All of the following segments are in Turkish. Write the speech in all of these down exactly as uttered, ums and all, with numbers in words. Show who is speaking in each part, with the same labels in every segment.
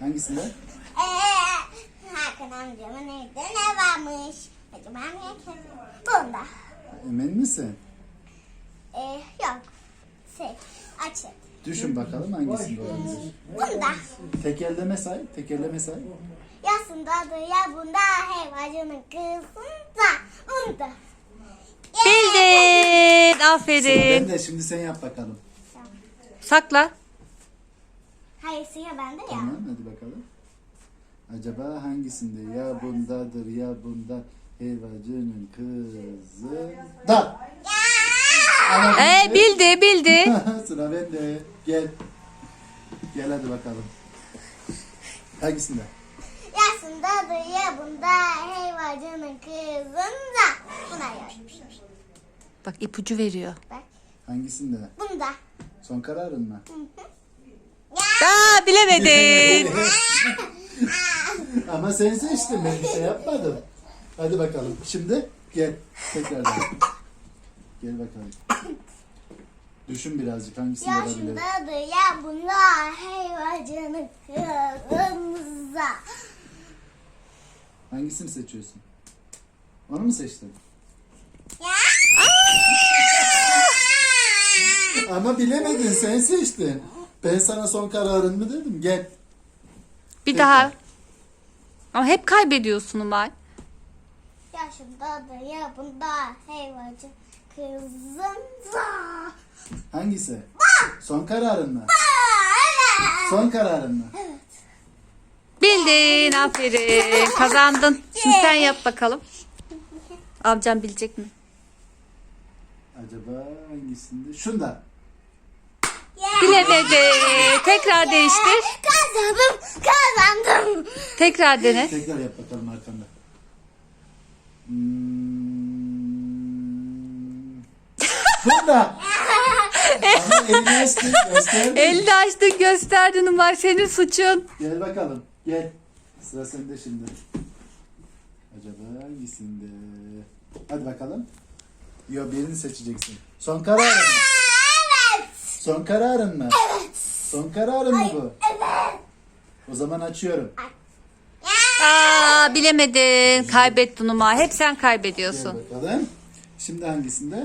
Speaker 1: Hangisinde?
Speaker 2: Eee Hakan amcamın evde ne varmış? Acaba niye kesin? Bunda.
Speaker 1: Emin misin?
Speaker 2: Ee, yok. Şey, açık.
Speaker 1: Düşün bakalım hangisinde olabilir.
Speaker 2: Bunda.
Speaker 1: Tekerleme say, tekerleme say.
Speaker 2: Yasındadır ya bunda helvacının kızında. Bunda.
Speaker 3: Bildin.
Speaker 1: Sıra
Speaker 3: Aferin.
Speaker 1: bende, şimdi sen yap bakalım.
Speaker 3: Sakla.
Speaker 2: Hayır sıra bende ya.
Speaker 1: Tamam, hadi bakalım. Acaba hangisinde? Ya bundadır ya bunda helvacının kızı da. Ama
Speaker 3: Ee, bildi bildi.
Speaker 1: Sıra bende. Gel. Gel hadi bakalım. Hangisinde?
Speaker 2: Yasındadır ya bunda helvacının kızında. Buna yazmış.
Speaker 3: Bak ipucu veriyor.
Speaker 2: Bak.
Speaker 1: Hangisinde?
Speaker 2: Bunda.
Speaker 1: Son kararın mı?
Speaker 3: Aa, bilemedin.
Speaker 1: Ama sen seçtin, ben bir şey yapmadım. Hadi bakalım. Şimdi gel. Tekrardan. Gel bakalım. Düşün birazcık hangisinde olabilir.
Speaker 2: Yaşındadır ya bunda helvacının kızında.
Speaker 1: Hangisini seçiyorsun? Onu mu seçtin? Ama bilemedin, sen seçtin. Ben sana son kararın mı dedim? Gel.
Speaker 3: Bir
Speaker 1: Tekrar.
Speaker 3: daha. Ama hep kaybediyorsun Umay.
Speaker 2: Yaşındadır ya bunda helvacı kızında.
Speaker 1: Hangisi? Son kararın mı? Son kararın mı?
Speaker 3: Bildin. Aferin. Kazandın. Şimdi sen yap bakalım. Amcam bilecek mi?
Speaker 1: Acaba hangisinde? Şunda.
Speaker 3: Bilemedi. Tekrar değiştir.
Speaker 2: Kazandım, kazandım.
Speaker 3: Tekrar dene.
Speaker 1: Tekrar yap bakalım arkanda. Hmm. Bunda. Ama elini açtın, gösterdin.
Speaker 3: Elini açtın gösterdin Umay. Senin suçun.
Speaker 1: Gel bakalım, gel. Sıra sende şimdi. Acaba hangisinde? Hadi bakalım. Yo, birini seçeceksin. Son kararın mı?
Speaker 2: Evet.
Speaker 1: Son kararın mı? Evet. Son kararın mı bu?
Speaker 2: Evet.
Speaker 1: O zaman açıyorum.
Speaker 3: Aa, bilemedin. Kaybettin Umay. Hep sen
Speaker 1: Gel
Speaker 3: kaybediyorsun.
Speaker 1: bakalım. Şimdi hangisinde?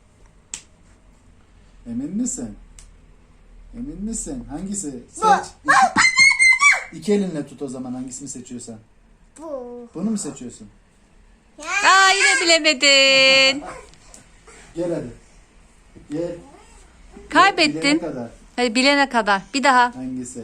Speaker 1: Emin misin? Emin misin? Hangisi? Seç. İki, iki elinle tut o zaman hangisini seçiyorsan.
Speaker 2: Bu.
Speaker 1: Bunu mu seçiyorsun?
Speaker 3: Aa, yine bilemedin.
Speaker 1: Gel hadi. Gel. Bilene
Speaker 3: Kaybettin.
Speaker 1: kadar.
Speaker 3: Hadi bilene kadar. Bir daha.
Speaker 1: Hangisi?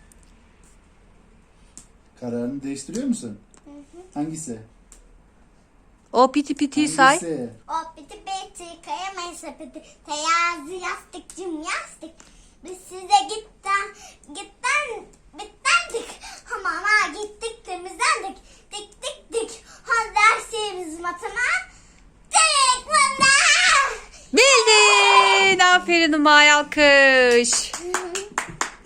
Speaker 1: Kararını değiştiriyor musun? Hangisi?
Speaker 3: O piti piti say.
Speaker 1: Hangisi?
Speaker 2: O biti biti kayamayın sepeti. Teyazi yastıkcım yastık. Biz size gitten gitten bittendik. Hamama gittik temizlendik. Dik dik dik. Ha dersimiz matematik. Bunda.
Speaker 3: Bildin. Aferin Umay, alkış.